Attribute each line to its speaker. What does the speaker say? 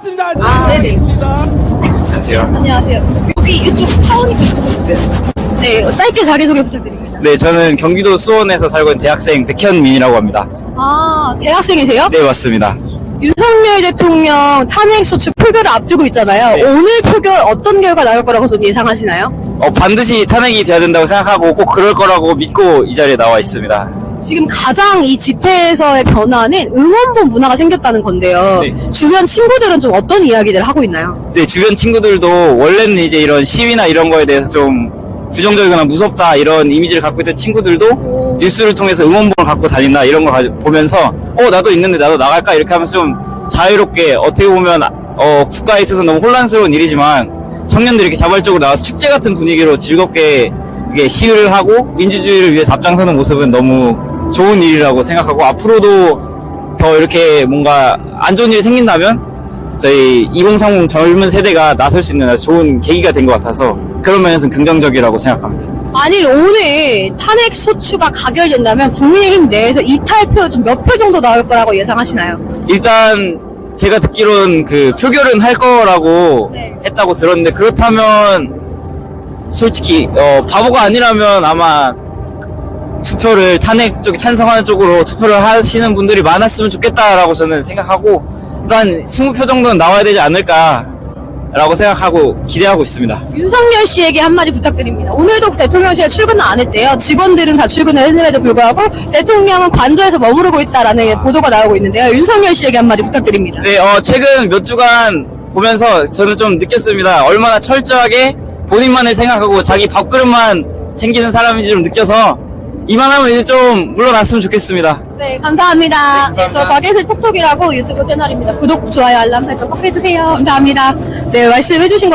Speaker 1: 반갑습니다.
Speaker 2: 네네.
Speaker 3: 안녕하세요.
Speaker 2: 안녕하세요. 여기 이쪽 사원이 있어요. 네, 짧게 자기소개 부탁드립니다.
Speaker 3: 네, 저는 경기도 수원에서 살고 있는 대학생 백현민이라고 합니다.
Speaker 2: 아, 대학생이세요?
Speaker 3: 네, 맞습니다.
Speaker 2: 윤석열 대통령 탄핵소추 표결을 앞두고 있잖아요.
Speaker 3: 네.
Speaker 2: 오늘 표결 어떤 결과 나올 거라고 좀 예상하시나요?
Speaker 3: 반드시 탄핵이 돼야 된다고 생각하고 꼭 그럴 거라고 믿고 이 자리에 나와 있습니다.
Speaker 2: 지금 가장 이 집회에서의 변화는 응원봉 문화가 생겼다는 건데요.
Speaker 3: 네.
Speaker 2: 주변 친구들은 좀 어떤 이야기들을 하고 있나요?
Speaker 3: 네, 주변 친구들도 원래는 이제 이런 시위나 이런 거에 대해서 좀 부정적이거나 무섭다 이런 이미지를 갖고 있던 친구들도 뉴스를 통해서 응원봉을 갖고 다닌다 이런 걸 보면서 나도 있는데 나도 나갈까 이렇게 하면서 좀 자유롭게 어떻게 보면 국가에 있어서 너무 혼란스러운 일이지만 청년들이 이렇게 자발적으로 나와서 축제 같은 분위기로 즐겁게 이게 시위를 하고 민주주의를 위해서 앞장서는 모습은 너무 좋은 일이라고 생각하고 앞으로도 더 이렇게 뭔가 안 좋은 일이 생긴다면 저희 2030 젊은 세대가 나설 수 있는 아주 좋은 계기가 된 것 같아서 그런 면에서는 긍정적이라고 생각합니다.
Speaker 2: 만일 오늘 탄핵소추가 가결된다면 국민의힘 내에서 이탈표 좀 몇 표 정도 나올 거라고 예상하시나요?
Speaker 3: 일단 제가 듣기로는 그 표결은 할 거라고
Speaker 2: 네.
Speaker 3: 했다고 들었는데 그렇다면 솔직히 바보가 아니라면 아마 투표를 탄핵 쪽에 찬성하는 쪽으로 투표를 하시는 분들이 많았으면 좋겠다라고 저는 생각하고 일단 20표 정도는 나와야 되지 않을까라고 생각하고 기대하고 있습니다.
Speaker 2: 윤석열 씨에게 한마디 부탁드립니다. 오늘도 대통령실에 출근을 안 했대요. 직원들은 다 출근을 했음에도 불구하고 대통령은 관저에서 머무르고 있다라는 보도가 나오고 있는데요. 윤석열 씨에게 한마디 부탁드립니다.
Speaker 3: 네, 최근 몇 주간 보면서 저는 좀 느꼈습니다. 얼마나 철저하게 본인만을 생각하고 자기 밥그릇만 챙기는 사람인지 좀 느껴서 이만하면 이제 좀 물러났으면 좋겠습니다.
Speaker 2: 네, 감사합니다.
Speaker 3: 감사합니다.
Speaker 2: 저 박예슬 톡톡이라고 유튜브 채널입니다. 구독, 좋아요, 알람 설정 꼭 해주세요. 감사합니다. 네, 말씀해주신 거